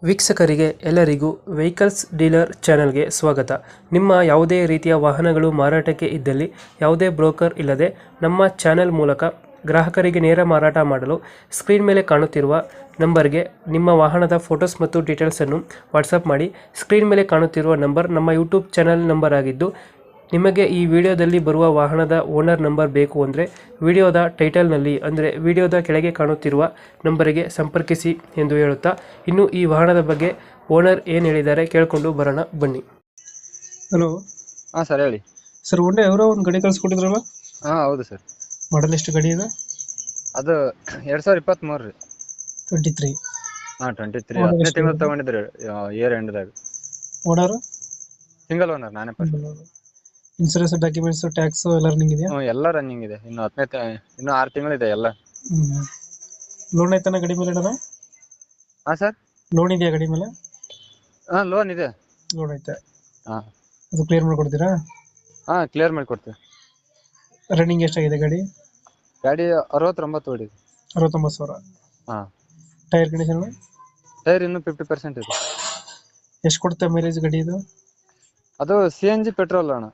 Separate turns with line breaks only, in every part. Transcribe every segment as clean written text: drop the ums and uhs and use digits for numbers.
ವೀಕ್ಷಕರಿಗೆ ಎಲ್ಲರಿಗೂ vehicles dealer ಚಾನೆಲ್ಗೆ ಸ್ವಾಗತ. ನಿಮ್ಮ ಯಾವುದೇ ರೀತಿಯ ವಾಹನಗಳು ಮಾರಾಟಕ್ಕೆ ಇದ್ದಲ್ಲಿ ಯಾವುದೇ ಬ್ರೋಕರ್ ಇಲ್ಲದೆ ನಮ್ಮ ಚಾನೆಲ್ ಮೂಲಕ ಗ್ರಾಹಕರಿಗೆ ನೇರ ಮಾರಾಟ ಮಾಡಲು ಸ್ಕ್ರೀನ್ ಮೇಲೆ ಕಾಣುತ್ತಿರುವ ನಂಬರ್ಗೆ ನಿಮ್ಮ ವಾಹನದ ಫೋಟೋಸ್ ಮತ್ತು ಡೀಟೇಲ್ಸನ್ನು ವಾಟ್ಸಪ್ ಮಾಡಿ. ಸ್ಕ್ರೀನ್ ಮೇಲೆ ಕಾಣುತ್ತಿರುವ ನಂಬರ್ ನಮ್ಮ ಯೂಟ್ಯೂಬ್ ಚಾನೆಲ್ ನಂಬರ್ ಆಗಿದ್ದು, ನಿಮಗೆ ಈ ವಿಡಿಯೋದಲ್ಲಿ ಬರುವ ವಾಹನದ ಓನರ್ ನಂಬರ್ ಬೇಕು ಅಂದರೆ ವಿಡಿಯೋದ ಟೈಟಲ್ನಲ್ಲಿ ಅಂದರೆ ವಿಡಿಯೋದ ಕೆಳಗೆ ಕಾಣುತ್ತಿರುವ ನಂಬರಿಗೆ ಸಂಪರ್ಕಿಸಿ ಎಂದು ಹೇಳುತ್ತಾ, ಇನ್ನು ಈ ವಾಹನದ ಬಗ್ಗೆ ಓನರ್ ಏನು ಹೇಳಿದ್ದಾರೆ ಕೇಳಿಕೊಂಡು ಬರೋಣ ಬನ್ನಿ. ಹಲೋ
ಹಾ ಸರ್ ಹೇಳಿ.
ಸರ್, ಒಳ್ಳೆ ಅವರ ಒಂದು ಗಾಡಿ ಕಳಿಸ್ಕೊಟ್ಟಿದ್ರಲ್ಲ,
ಹಾ ಹೌದು ಸರ್.
ಮಾಡಲ್ ಎಷ್ಟು ಗಾಡಿ ಇದೆ?
ಅದು 2023 ರೀ.
23.
ಹಾ 23 10ನೇ ತಿಂಗಳು ತಗೊಂಡಿದ್ರಿ ಇಯರ್ ಎಂಡ್ದಾಗ.
ಓನರ್?
ಸಿಂಗಲ್ ಓನರ್ ನಾನೇ ಫಸ್ಟ್.
ಇನ್ಸೂರೆನ್ಸ್, ಡಾಕ್ಯುಮೆಂಟ್ಸ್, ಟ್ಯಾಕ್ಸ್ ಎಲ್ಲ ರನ್ನಿಂಗ್ ಇದೆಯಾ?
ಎಲ್ಲ ರನ್ನಿಂಗ್ ಇದೆ. ಇನ್ನು 6 ತಿಂಗಳು ಇದೆ ಎಲ್ಲ.
ಲೋನ್ ಆಯ್ತಾನ ಗಾಡಿ ಮೇಲೆ?
ಹಾ ಸರ್,
ಲೋನ್ ಇದೆಯಾ ಗಾಡಿ ಮೇಲೆ?
ಹಾ ಲೋನ್ ಇದೆ.
ಲೋನ್ ಐತೆ.
ಹಾ
ಅದು ಕ್ಲಿಯರ್ ಮಾಡ್ಕೊಡ್ತೀರಾ?
ಹಾ ಕ್ಲಿಯರ್ ಮಾಡಿ ಕೊಡ್ತೀವಿ.
ರನ್ನಿಂಗ್ ಎಷ್ಟಾಗಿದೆ ಗಾಡಿ?
ಗಾಡಿ 69 ಹೊಡಿದೆ.
69,000.
ಹಾ.
Tyre condition?
ಟೈರ್ ಇನ್ನು 50% ಇದೆ.
ಎಷ್ಟು ಕೊಡುತ್ತೆ ಮೈಲೇಜ್ ಗಾಡಿ ಇದು?
ಅದು CNG ಪೆಟ್ರೋಲ್ ಅಣ್ಣ.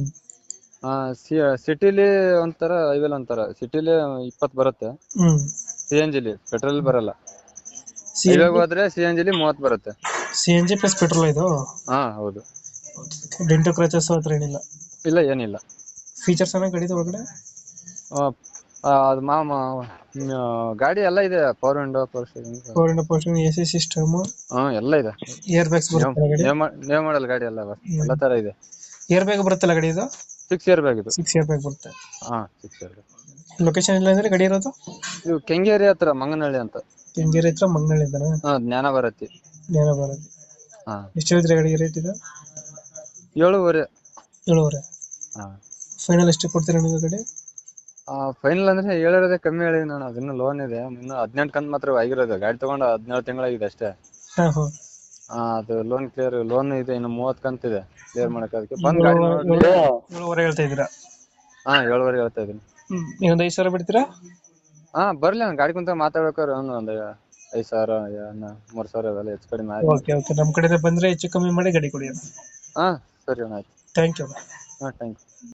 ಸಿಟಿಲಿ ಒಂಥರ, ಹೈವೇಲಿ ಒಂಥರ. ಸಿಟಿಲಿ 20 ಬರುತ್ತೆ, CNG ಪೆಟ್ರೋಲ್ ಬರಲ್ಲ. ಹೈವೇಗೆ ಹೋದ್ರೆ CNG 30 ಬರುತ್ತೆ.
CNG ಪ್ಲಸ್ ಪೆಟ್ರೋಲ್ ಇದು?
ಹಾ ಹೌದು.
ಡೆಂಟೋ ಕ್ರಚಸ್ ಹತ್ರ ಏನಿಲ್ಲ?
ಇಲ್ಲ ಏನಿಲ್ಲ.
ಫೀಚರ್ಸ್ ಏನ ಗಾಡಿದ ಒಳಗಡೆ?
ಅದು ಗಾಡಿ ಎಲ್ಲ ಇದೆ. Power window, power steering,
AC system,
ಎಲ್ಲ ಇದೆ.
ಏರ್ ಬ್ಯಾಗ್ಸ್ ಬರುತ್ತೆ ಗಾಡಿ?
ನೇವ್ ಮಾಡಲ್ ಗಾಡಿ ಎಲ್ಲ ತರ ಇದೆ.
ಏರ್ ಬ್ಯಾಗ್ ಬರುತ್ತಲ್ಲ ಗಾಡಿ ಇದು?
6 ಇಯರ್ ಬ್ಯಾಗ್ ಇದು.
6 ಏರ್ ಬ್ಯಾಗ್ ಬರುತ್ತೆ.
ಹಾ 6 ಇಯರ್ ಬ್ಯಾಗ್.
ಲೊಕೇಶನ್ ಇಲ್ಲ ಅಂದ್ರೆ ಗಾಡಿ ಇರೋದು?
ಇದು ಕೆಂಗೇರಿ ಹತ್ರ ಮಂಗನಹಳ್ಳಿ ಅಂತ.
ಕೆಂಗೇರಿ ಹತ್ರ ಮಂಗನಹಳ್ಳಿ ಇದ್ದಾನೆ?
ಹಾ ಜ್ಞಾನ ಭಾರತಿ.
ಜ್ಞಾನ ಭಾರತಿ.
ಹಾ.
ಎಷ್ಟು ಹೇಳಿದ್ರೆ ಗಾಡಿಗೆ ರೇಟ್ ಇದು?
7.5.
7.5.
ಹಾ.
ಫೈನಲ್ ಎಷ್ಟು ಕೊಡ್ತೀರಾ ನೀವು ಗಾಡಿ?
ಫೈನಲ್ ಅಂದ್ರೆ ಹೇಳಿರೋದೇ ಕಮ್ಮಿ ಹೇಳಿದೀನಿ ನಾನು. ಅದಿನ್ನು ಲೋನ್ ಇದೆ. ಇನ್ನು 18 ಕಂತು ಮಾತ್ರ ಆಗಿರೋದು. ಗಾಡಿ ತಗೊಂಡು 17 ತಿಂಗಳಾಗಿದೆ ಅಷ್ಟೇ. ಅದು ಲೋನ್ ಇದೆ. ಇನ್ನು 30 ಕಂತು ಇದೆ ಕ್ಲಿಯರ್ ಮಾಡಕ್. ಅದಕ್ಕೆ ಬಂದ್ ಗಾಡಿ ನೋಡಿ
7.5 ಹೇಳ್ತಾ ಇದ್ದೀರಾ?
ಹಾ 7.5 ಹೇಳ್ತಾ ಇದೀನಿ.
ನೀವೊಂದು 5,000 ಬಿಡ್ತೀರಾ?
ಹಾ ಬರ್ಲಿ, ನಾನು ಗಾಡಿ ಕುಂತ ಮಾತಾಡ್ಬೇಕಾದ್ರೆ ಒಂದು 5,000 3,000 ಅವೆಲ್ಲ ಹೆಚ್ಚು ಕಡಿಮೆ ಆಯ್ತು.
ಓಕೆ, ನಮ್ಮ ಕಡೆಯಿಂದ ಬಂದ್ರೆ ಹೆಚ್ಚು ಕಮ್ಮಿ ಮಾಡಿ ಗಾಡಿ ಕೊಡಿ.
ಹಾ ಸರಿ ಅಣ್ಣ, ಆಯ್ತು.
Thank you.
ಹಾ ಥ್ಯಾಂಕ್ ಯು.